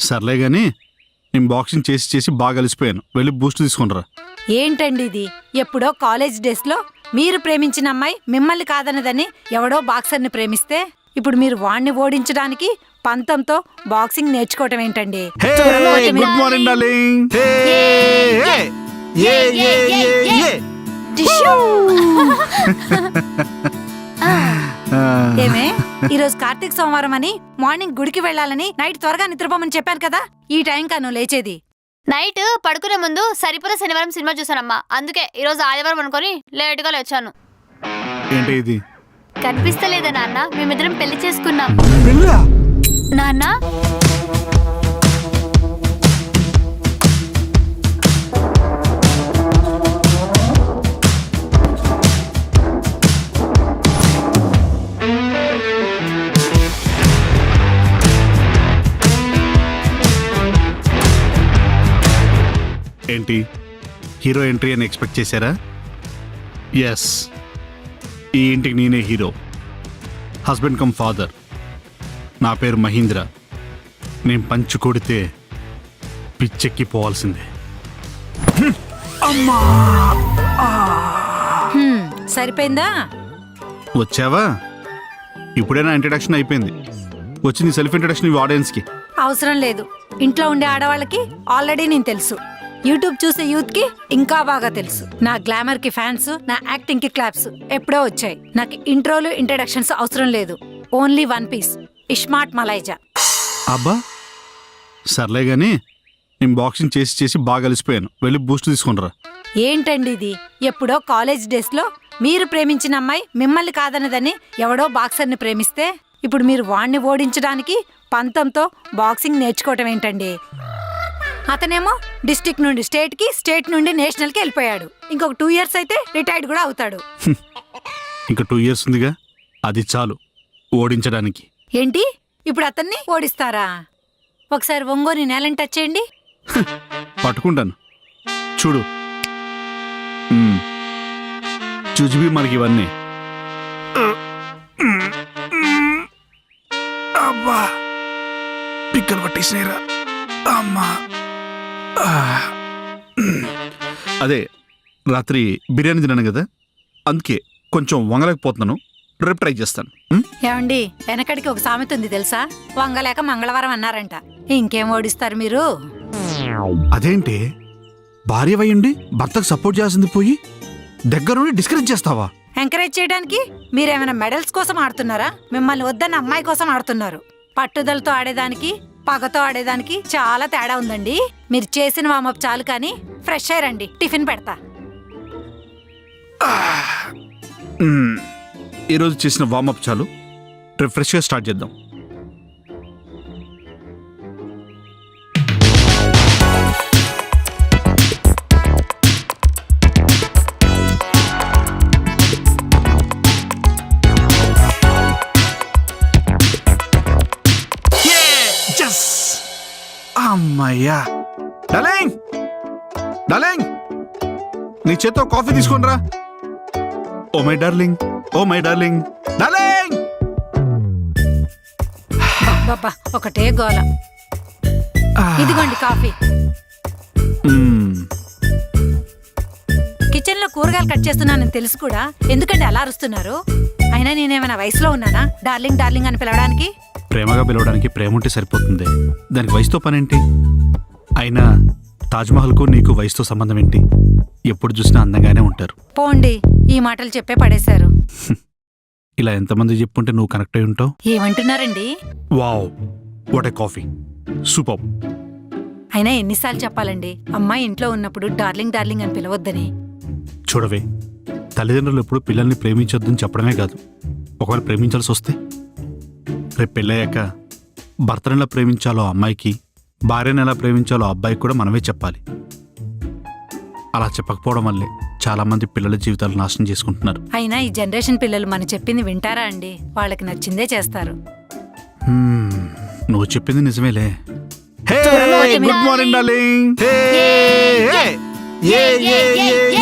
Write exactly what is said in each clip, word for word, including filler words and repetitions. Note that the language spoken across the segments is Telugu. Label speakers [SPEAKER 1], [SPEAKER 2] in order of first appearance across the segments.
[SPEAKER 1] సర్లే గాని నేను బాక్సింగ్ చేసి చేసి బాగా అలసిపోయాను. వెళ్ళి బూస్ట్ తీసుకుంటారా.
[SPEAKER 2] ఏంటండి ఇది? ఎప్పుడో కాలేజ్ డేస్ లో మీరు ప్రేమించిన అమ్మాయి మిమ్మల్ని కాదన్నదని ఎవడో బాక్సర్ని ప్రేమిస్తే ఇప్పుడు మీరు వాణ్ణి ఓడించడానికి పంతంతో బాక్సింగ్ నేర్చుకోవటం ఏంటండి?
[SPEAKER 1] Good morning darling.
[SPEAKER 2] ఏమే, ఈరోజు కార్తీక సోమవారం అని మార్నింగ్ గుడికి వెళ్ళాలని నైట్ త్వరగా నిద్రపోమని చెప్పాను కదా. ఈ టైం కాను లేచేది.
[SPEAKER 3] నైట్ పడుకునే ముందు సరిపోలే శనివారం సినిమా చూసానమ్మా. అందుకే ఈరోజు ఆదివారం అనుకొని లేటుగా లేచాను.
[SPEAKER 1] ఏంటి ఇది?
[SPEAKER 3] కనిపిస్తలేదా నాన్న? మేమిద్దరం పెళ్లి చేసుకున్నాం. నాన్న
[SPEAKER 1] ఏంటి హీరో ఎంట్రీ అని ఎక్స్పెక్ట్ చేశారా? ఎస్, ఈ ఇంటికి నేనే హీరో. Husband come father. నా పేరు మహీంద్ర. నేను పంచు కొడితే పిచ్చెక్కి పోవాల్సిందే.
[SPEAKER 2] హ్మ్, సరిపోయిందా?
[SPEAKER 1] వచ్చావా? ఇప్పుడే నా ఇంట్రడక్షన్ అయిపోయింది. వచ్చి నీ సెల్ఫ్ ఇంట్రడక్షన్ ఇవి ఆడియన్స్కి.
[SPEAKER 2] అవసరం లేదు. ఇంట్లో ఉండే ఆడవాళ్ళకి ఆల్రెడీ నేను తెలుసు. యూట్యూబ్ చూసే యూత్ కి ఇంకా బాగా తెలుసు. నా గ్లామర్ కి ఫ్యాన్స్, నా యాక్టింగ్ కి క్లాప్స్ ఎప్పుడో వచ్చాయి. నాకు ఇంట్రోలు ఇంట్రడక్షన్స్ అవసరం లేదు. ఓన్లీ వన్ పీస్, ఇస్మార్ట్ మలైజా.
[SPEAKER 1] అబ్బా, సర్లే గాని నేను బాక్సింగ్ చేసి చేసి బాగా అలసిపోయాను. వెళ్ళి బూస్ట్ తీసుకుంటారా.
[SPEAKER 2] ఏంటండి ఇది? ఎప్పుడో కాలేజ్ డేస్ లో మీరు ప్రేమించిన అమ్మాయి మిమ్మల్ని కాదన్నదని ఎవడో బాక్సర్ని ప్రేమిస్తే ఇప్పుడు మీరు వాణ్ణి ఓడించడానికి పంతంతో బాక్సింగ్ నేర్చుకోవటం ఏంటండి? అతనేమో డిస్ట్రిక్ట్ నుండి స్టేట్ కి, స్టేట్ నుండి నేషనల్ కి వెళ్ళిపోయాడు. ఇంకొక టూ ఇయర్స్ అయితే రిటైర్డ్ కూడా అవుతాడు.
[SPEAKER 1] ఇంకా టూ ఇయర్స్ ఉందిగా, అది చాలు ఓడించడానికి.
[SPEAKER 2] ఏంటి, ఇప్పుడు అతన్ని ఓడిస్తారా? ఒకసారి ఒంగోని నేలని టచ్ చేయండి.
[SPEAKER 1] పట్టుకుంటాను చూడు. మ్మ్. చూచిబి మనకి ఇవన్నీ. అబ్బా, పిక్కలు పట్టేసినాయిరా. అమ్మా, అదే రాత్రి బిర్యానీ తిన్నాను కదా, అందుకే కొంచెం వంగలేకపోతున్నాను. రేపు ట్రై చేస్తాను.
[SPEAKER 2] ఏమండి, వెనకడికి ఒక సామెత ఉంది తెలుసా? వంగలేక మంగళవారం అన్నారంట. ఇంకేం ఓడిస్తారు మీరు?
[SPEAKER 1] అదేంటి, భార్య వయ్యండి భర్తకు సపోర్ట్ చేయాల్సింది పోయి దగ్గర నుండి డిస్కరేజ్ చేస్తావా?
[SPEAKER 2] ఎంకరేజ్ చేయడానికి మీరేమైనా మెడల్స్ కోసం ఆడుతున్నారా? మిమ్మల్ని వద్దన్న అమ్మాయి కోసం ఆడుతున్నారు. పట్టుదలతో ఆడేదానికి, పగతో ఆడేదానికి చాలా తేడా ఉందండి. మీరు చేసిన వామప్ చాలు కానీ ఫ్రెష్ అయ్యారండి. టిఫిన్ పెడతా.
[SPEAKER 1] ఈరోజు చేసిన వామప్ చాలు, రేపు ఫ్రెష్గా స్టార్ట్ చేద్దాం. అమ్మయ్యా. డార్లింగ్, డార్లింగ్, నీ చేత్తో కాఫీ తీసుకొనిరా. Oh my darling, oh my darling, darling.
[SPEAKER 2] బాబా, ఒకటే గోల. ఇదిగోండి కాఫీ. కిచెన్ లో కూరగాయలు కట్ చేస్తున్నానని తెలుసు కూడా ఎందుకండి అలా అరుస్తున్నారు? అయినా నేనేమైనా వయసులో ఉన్నానా డార్లింగ్ డార్లింగ్ అని పిలవడానికి?
[SPEAKER 1] ప్రేమగా పిలవడానికి ప్రేమ ఉంటే సరిపోతుంది. దానికి వయసుతో పనేంటి? అయినా తాజ్మహల్కు నీకు వయసుతో సంబంధం ఏంటి? ఎప్పుడు చూసినా అందంగానే ఉంటారు.
[SPEAKER 2] పోండి, ఈ మాటలు చెప్పే పడేశారు.
[SPEAKER 1] ఇలా ఎంతమంది చెప్పుంటే నువ్వు కనెక్ట్ అయి ఉంటావు.
[SPEAKER 2] ఏమంటున్నారండి?
[SPEAKER 1] Wow, what a coffee, super.
[SPEAKER 2] అయినా ఎన్నిసార్లు చెప్పాలండి అమ్మాయి ఇంట్లో ఉన్నప్పుడు డార్లింగ్ డార్లింగ్ అని పిలవద్దని?
[SPEAKER 1] చూడవే, తల్లిదండ్రులు ఎప్పుడు పిల్లల్ని ప్రేమించొద్దని చెప్పడమే కాదు, ఒకవేళ ప్రేమించాల్సి వస్తే రేపు పెళ్ళయ్యాక భర్తను ఎలా ప్రేమించాలో అమ్మాయికి, భార్యను ఎలా ప్రేమించాలో అబ్బాయికి కూడా మనమే చెప్పాలి. అలా చెప్పకపోవడం వల్లే చాలా మంది పిల్లల జీవితాలు నాశనం చేసుకుంటున్నారు.
[SPEAKER 2] అయినా ఈ జనరేషన్ పిల్లలు మనం చెప్పింది వింటారా అండి? వాళ్ళకి నచ్చిందే చేస్తారు.
[SPEAKER 1] నువ్వు చెప్పింది నిజమేలే. Good morning darling.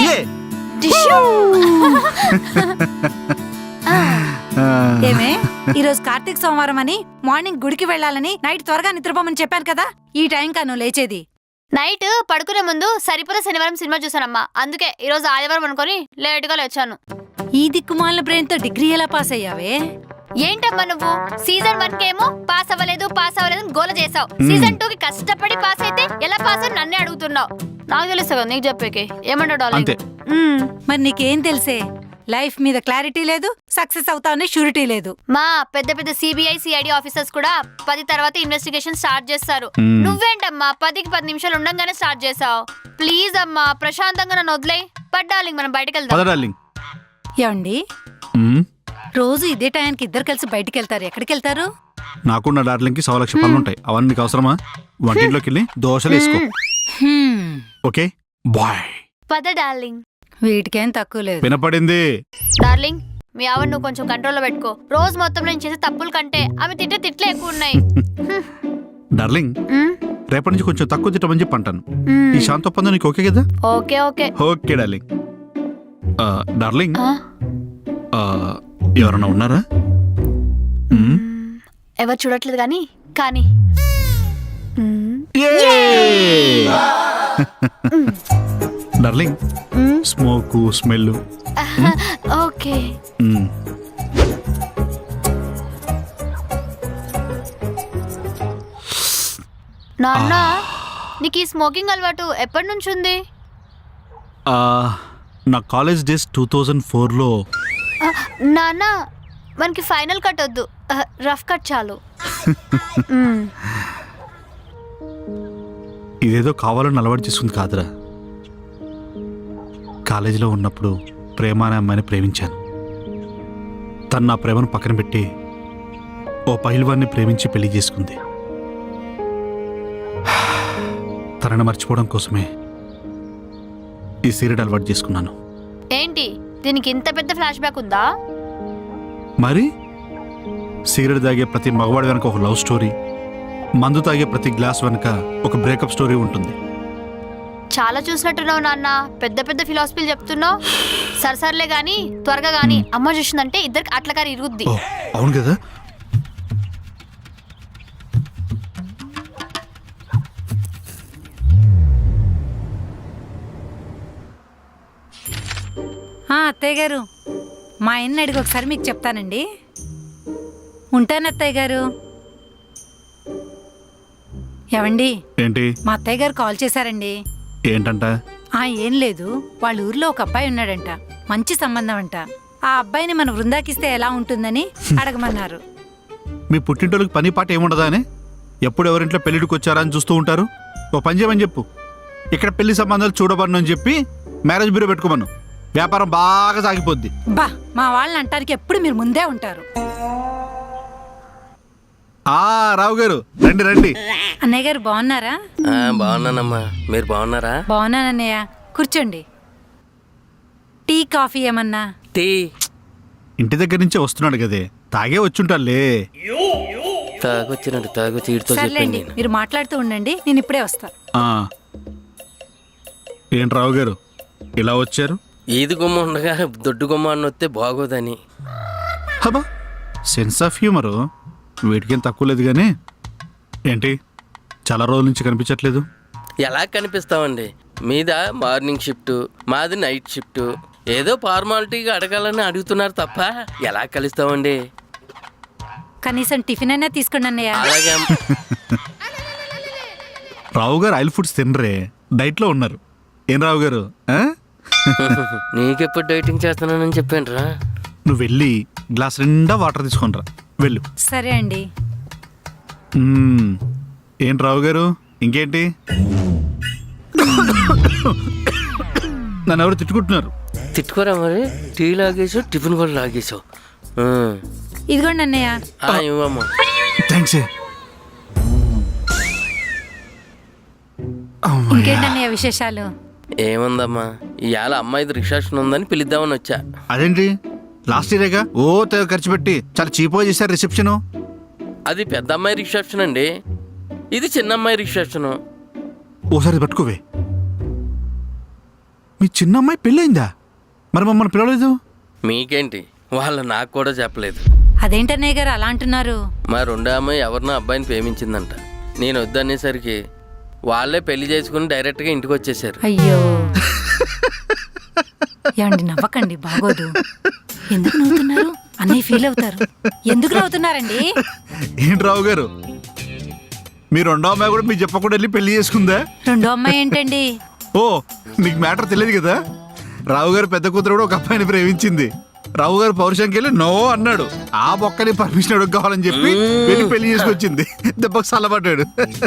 [SPEAKER 2] ఏమే, ఈ రోజు కార్తీక సోమవారం అని మార్నింగ్ గుడికి వెళ్ళాలని నైట్ త్వరగా నిద్రపోమని చెప్పాను కదా, ఈ టైం కాను లేచేది.
[SPEAKER 3] నైట్ పడుకునే ముందు సరిపోల శనివారం సినిమా చూసానమ్మా, అందుకే ఈ రోజు ఆదివారం అనుకొని లేటుగా లేచాను.
[SPEAKER 2] ఈ దిక్కుమాలిన బ్రెయిన్ తో డిగ్రీ ఎలా పాస్ అయ్యావే?
[SPEAKER 3] ఏంటమ్మా నువ్వు సీజన్ వన్ కేమో పాస్ అవ్వలేదు పాస్ అవ్వలేదు అని గోల చేసావు, సీజన్ టూ కి కష్టపడి పాస్ అయితే ఎలా పాస్ అని నన్నే అడుగుతున్నావు. నాకు తెలుసు కదా నీకు చెప్పేకి, ఏమంటావు డార్లింగ్?
[SPEAKER 2] మరి నీకేం తెలుసే, లైఫ్ మీద క్లారిటీ లేదు, సక్సెస్ అవుతావని షూరిటీ లేదు.
[SPEAKER 3] మా పెద్ద పెద్ద సిబిఐ సిఐడి ఆఫీసర్స్ కూడా పది తర్వాత ఇన్వెస్టిగేషన్ స్టార్ట్ చేస్తారు. నువ్వేంటమ్మా పదికి పది నిమిషాలు ఉండగానే స్టార్ట్ చేసావు. ప్లీజ్ అమ్మా ప్రశాంతంగా నన్ను వదిలే. పడ్డాలింగ్ మనం బయటకు వెళ్దాం.
[SPEAKER 2] ఏమండి, రోజు ఇదే టైంకి ఇద్దరు కలిసి బయటికి వెళ్తారు, ఎక్కడికి వెళ్తారు?
[SPEAKER 1] నాకున్న డార్లింగ్ కి సవ లక్ష పనులు ఉంటాయి, అవన్నీ నీకు అవసరమా? వంటింట్లోకి వెళ్ళి దోశలు వేసుకో. Okay bye.
[SPEAKER 3] పద డార్లింగ్.
[SPEAKER 2] వీటికేం తక్కువ లేదు.
[SPEAKER 1] వినపడింది
[SPEAKER 3] డార్లింగ్. మీ ఆవిడ నువ్వు కొంచెం కంట్రోల్లో పెట్టుకో. రోజు మొత్తం నేను చేసే తప్పుల కంటే ఆమె తిట్టే తిట్లే ఎక్కువ ఉన్నాయి.
[SPEAKER 1] డార్లింగ్, రేపటి నుంచి కొంచెం తక్కువ తిట్టమని చెప్పి అంటాను. ఈ శాంత ఒప్పందం నీకు ఓకే కదా?
[SPEAKER 3] Okay okay
[SPEAKER 1] okay darling. Darling, ఎవరన్నా ఉన్నారా?
[SPEAKER 3] ఎవరు చూడట్లేదు కానీ కానీ
[SPEAKER 1] డార్లింగ్, స్మోక్ స్మెల్
[SPEAKER 3] ఓకే. నాన్న, నీకు ఈ స్మోకింగ్ అలవాటు ఎప్పటి నుంచి ఉంది?
[SPEAKER 1] నా కాలేజ్ డేస్ టూ థౌజండ్ ఫోర్లో.
[SPEAKER 3] నాన్న, మనకి ఫైనల్ కట్ వద్దు, రఫ్ కట్ చాలు.
[SPEAKER 1] ఇదేదో కావాలని అలవాటు చేసుకుంది కాదురా. కాలేజీలో ఉన్నప్పుడు ప్రేమ అనే అమ్మాయిని ప్రేమించాను. తను నా ప్రేమను పక్కన పెట్టి ఓ పైల్వాన్ని ప్రేమించి పెళ్లి చేసుకుంది. తనని మర్చిపోవడం కోసమే ఈ సిగరెట్ అలవాటు చేసుకున్నాను.
[SPEAKER 3] ఏంటి దీనికి ఇంత పెద్ద ఫ్లాష్ బ్యాక్ ఉందా?
[SPEAKER 1] మరి సిగరెట్ తాగే ప్రతి మగవాడి వెనక ఒక లవ్ స్టోరీ, మందు తాగే ప్రతి గ్లాస్ వెనక ఒక బ్రేకప్ స్టోరీ ఉంటుంది.
[SPEAKER 3] చాలా చూసినట్టున్నావు నాన్న, పెద్ద పెద్ద ఫిలాసఫీలు చెప్తున్నావు. సరసర్లే గాని త్వరగా గాని అమ్మ చూసిందంటే ఇద్దరికి అట్లకారి ఇరుగుద్ది.
[SPEAKER 1] అవును కదా.
[SPEAKER 2] అత్తయ్య గారు, మా ఆయన్ని అడిగి ఒకసారి మీకు చెప్తానండి. ఉంటాను అత్తయ్య గారు. ఏవండి,
[SPEAKER 1] ఏంటి?
[SPEAKER 2] మా అత్తయ్య గారు కాల్ చేశారండి.
[SPEAKER 1] ఏంటంట?
[SPEAKER 2] ఆ ఏం లేదు, వాళ్ళ ఊర్లో ఒక అబ్బాయి ఉన్నాడంట, మంచి సంబంధం అంట. ఆ అబ్బాయిని మన వృందాకిస్తే ఎలా ఉంటుందని అడగమన్నారు.
[SPEAKER 1] మీ పుట్టింటోళ్ళకి పని పాట ఏముండదా అని ఎప్పుడు ఎవరింట్లో పెళ్లిడికి వచ్చారా అని చూస్తూ ఉంటారు. ఓ పని చేయమని చెప్పు, ఇక్కడ పెళ్లి సంబంధాలు చూడబడను అని చెప్పి మ్యారేజ్ బ్యూరో పెట్టుకోమను. వ్యాపారం బాగా సాగిపోద్ది.
[SPEAKER 2] బా, మా వాళ్ళని అంటానికి ఎప్పుడు మీరు ముందే ఉంటారు.
[SPEAKER 1] ఆ రావు గారు, రండి రండి.
[SPEAKER 2] అన్నయ్య గారు బాగున్నారా?
[SPEAKER 4] బాగున్నానమ్మా, మీరు బాగున్నారా?
[SPEAKER 2] బాగున్నానన్నయ్య, కూర్చోండి. టీ కాఫీ ఏమన్నా?
[SPEAKER 4] టీ
[SPEAKER 1] ఇంటి దగ్గర నుంచే వస్తున్నాడు కదే, తాగే వచ్చుంటాలే.
[SPEAKER 4] తాగొచ్చినట్టు తాగొచ్చి ఈడితో
[SPEAKER 2] సర్లేండి,
[SPEAKER 4] చెప్పండి.
[SPEAKER 2] మీరు మాట్లాడుతూ ఉండండి, నేను ఇప్పుడే వస్తా.
[SPEAKER 1] ఏంటి రావు గారు ఇలా వచ్చారు?
[SPEAKER 4] ఈది గుమ్మ ఉండగా దొడ్డు గుమ్మ అని వస్తే బాగోదని.
[SPEAKER 1] హబా, సెన్స్ ఆఫ్ హ్యూమరు వీటికేం తక్కువ లేదు. కానీ ఏంటి చాలా రోజుల నుంచి కనిపించట్లేదు?
[SPEAKER 4] ఎలా కనిపిస్తామండి, మీద మార్నింగ్ షిఫ్ట్, మాది నైట్ షిఫ్ట్. ఏదో ఫార్మాలిటీగా అడగాలని అడుగుతున్నారు తప్ప ఎలా కలుస్తామండి?
[SPEAKER 2] కనీసం టిఫిన్ అయినా తీసుకోండి అన్నయ్య.
[SPEAKER 4] అలాగే.
[SPEAKER 1] రావు గారు ఆయిల్ ఫుడ్స్ తినరే, డైట్లో ఉన్నారు. ఏం రావు గారు,
[SPEAKER 4] నీకెప్పుడు డైటింగ్ చేస్తున్నానని చెప్పాను రా.
[SPEAKER 1] నువ్వు వెళ్ళి గ్లాస్ నిండా వాటర్ తీసుకొనిరా, వెళ్ళు.
[SPEAKER 2] సరే అండి.
[SPEAKER 1] ఏంటి రావు గారు, ఇంకేంటి? నన్ను ఎవరు తిట్టుకుంటున్నారు?
[SPEAKER 4] తిట్టుకోరా మరి, టీ లాగేసావు, టిఫిన్ కూడా లాగేసావు.
[SPEAKER 2] ఇదిగోండి అన్నయ్య.
[SPEAKER 4] ఇవ్వమ్మా.
[SPEAKER 1] థ్యాంక్స్.
[SPEAKER 2] ఇంకేంటన్నయ్య విశేషాలు?
[SPEAKER 4] ఏముందమ్మా, ఇవాళ అమ్మాయిది రిసెప్షన్ ఉందని పిలుద్దామని వచ్చా.
[SPEAKER 1] అదేంటి, లాస్ట్ ఇయరేగా ఓ తెగ ఖర్చు పెట్టి చాలా చీప్గా చేశారు రిసెప్షన్.
[SPEAKER 4] అది పెద్ద అమ్మాయి రిసెప్షన్ అండి, ఇది చిన్న అమ్మాయి రిసెప్షన్.
[SPEAKER 1] ఓసారి పట్టుకోవే. మీ చిన్న అమ్మాయి పెళ్ళయిందా? మరి మమ్మల్ని పిలవలేదు.
[SPEAKER 4] మీకేంటి, వాళ్ళు నాకు కూడా చెప్పలేదు.
[SPEAKER 2] అదేంటన్నయ్య గారు అలా అంటున్నారు?
[SPEAKER 4] మా రెండో అమ్మాయి ఎవరినో అబ్బాయిని ప్రేమించిందంట. నేను వద్దనేసరికి వాళ్ళే పెళ్లి చేసుకుని డైరెక్ట్గా ఇంటికి వచ్చేసారు.
[SPEAKER 2] అయ్యో ఏమండి నవ్వకండి, బాగోదు. ఎందుకు నవ్వుతున్నారు? అన్నయ్య ఫీల్ అవుతారు. ఎందుకు నవ్వుతున్నారండి?
[SPEAKER 1] ఏంటి రావు గారు, మీ రెండో అమ్మాయి కూడా మీకు చెప్పకుండా వెళ్ళి పెళ్లి చేసుకుందా?
[SPEAKER 2] రెండో అమ్మాయి ఏంటండి?
[SPEAKER 1] ఓ, నీకు మ్యాటర్ తెలియదు కదా. రావు గారు పెద్ద కూతురు కూడా ఒక అబ్బాయిని ప్రేమించింది. రావు గారు పౌరుషంకి వెళ్ళి నో అన్నాడు. ఆ బొక్కని పర్మిషన్ అడుగు కావాలని చెప్పి వెళ్ళి పెళ్లి చేసుకొచ్చింది. దెబ్బకు సల్లబడ్డాడు.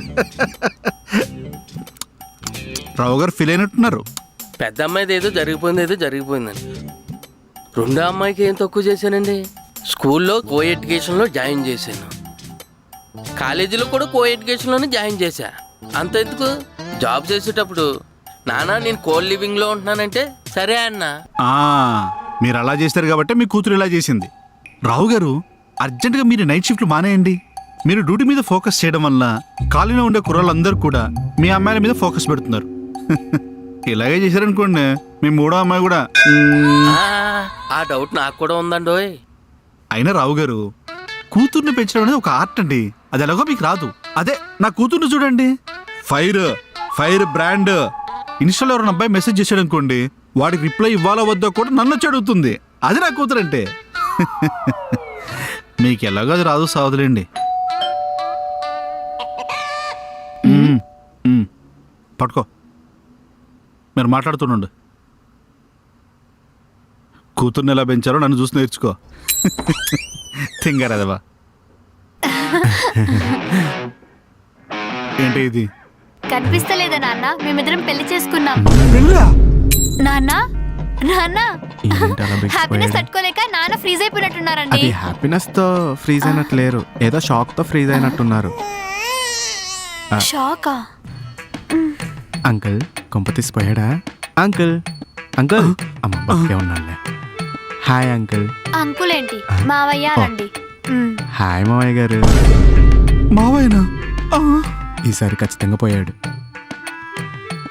[SPEAKER 1] రావు గారు ఫీల్ అయినట్టున్నారు.
[SPEAKER 4] పెద్ద అమ్మాయిది ఏదో జరిగిపోయింది, ఏదో జరిగిపోయిందండి. రెండో అమ్మాయికి ఏం తక్కువ చేశానండి? స్కూల్లో కో ఎడ్యుకేషన్లో జాయిన్ చేశాను, కాలేజీలో కూడా కో ఎడ్యుకేషన్లోనే జాయిన్ చేశా. అంత ఎందుకు, జాబ్ చేసేటప్పుడు నానా నేను కోల్ లివింగ్లో ఉంటున్నానంటే సరే అన్నా.
[SPEAKER 1] ఆ, మీరు అలా చేస్తారు కాబట్టి మీ కూతురు ఇలా చేసింది. రావు గారు, అర్జెంటుగా మీరు నైట్ షిఫ్ట్లు మానేయండి. మీరు డ్యూటీ మీద ఫోకస్ చేయడం వల్ల కాలనీలో ఉండే కుర్రాళ్ళందరూ కూడా మీ అమ్మాయిల మీద ఫోకస్ పెడుతున్నారు. ఇలాగే చేశారనుకోండి, మీ మూడో అమ్మాయి కూడా మ్మ్.
[SPEAKER 4] ఆ, ఆ డౌట్ నాకు కూడా ఉందండోయ్.
[SPEAKER 1] అయినా రావు గారు, కూతుర్ని పెంచడం అనేది ఒక ఆర్ట్ అండి. అది ఎలాగో మీకు రాదు. అదే నా కూతుర్ని చూడండి, ఫైర్ ఫైర్ బ్రాండ్. ఇన్స్టాలో ఎవరైనా అబ్బాయి మెసేజ్ చేశాడు అనుకోండి, వాడికి రిప్లై ఇవ్వాలో వద్దో కూడా నన్ను వచ్చి అడుగుతుంది. అది నా కూతురు అంటే. మీకు ఎలాగో అది రాదు, సావదులేండి. మ్మ్. మ్మ్. పట్టుకో, మీరు మాట్లాడుతుండండి. కూతుర్ని ఎలా పెంచారో నన్ను చూసి నేర్చుకో. తింగారదవా. ఏంటి ఇది?
[SPEAKER 3] కనిపిస్తలేదా నాన్న? మేమిద్దరం పెళ్లి చేసుకున్నాం.
[SPEAKER 1] పెళ్ళా?
[SPEAKER 3] నాన్న నాన్న
[SPEAKER 5] ఏంటి అలా బిగిసిపోయాడు?
[SPEAKER 3] హ్యాపీనెస్ తట్టుకోలేక నాన్న ఫ్రీజ్ అయిపోయినట్టున్నారండి.
[SPEAKER 5] అది హ్యాపీనెస్ తో ఫ్రీజ్ అయినట్టు లేరు, ఏదో షాక్ తో ఫ్రీజ్ అయినట్టున్నారు.
[SPEAKER 3] షాకా?
[SPEAKER 5] అంకుల్ కొంప తీసిపోయాడా? అంకుల్ అంకుల్ అమ్మ బతికే ఉన్నాడులే. Hi uncle.
[SPEAKER 3] అంకుల్ ఏంటి, మావయ్య అండి.
[SPEAKER 5] హాయ్ మావయ్య గారు.
[SPEAKER 1] మావయ్యనా?
[SPEAKER 5] ఈసారి ఖచ్చితంగా పోయాడు.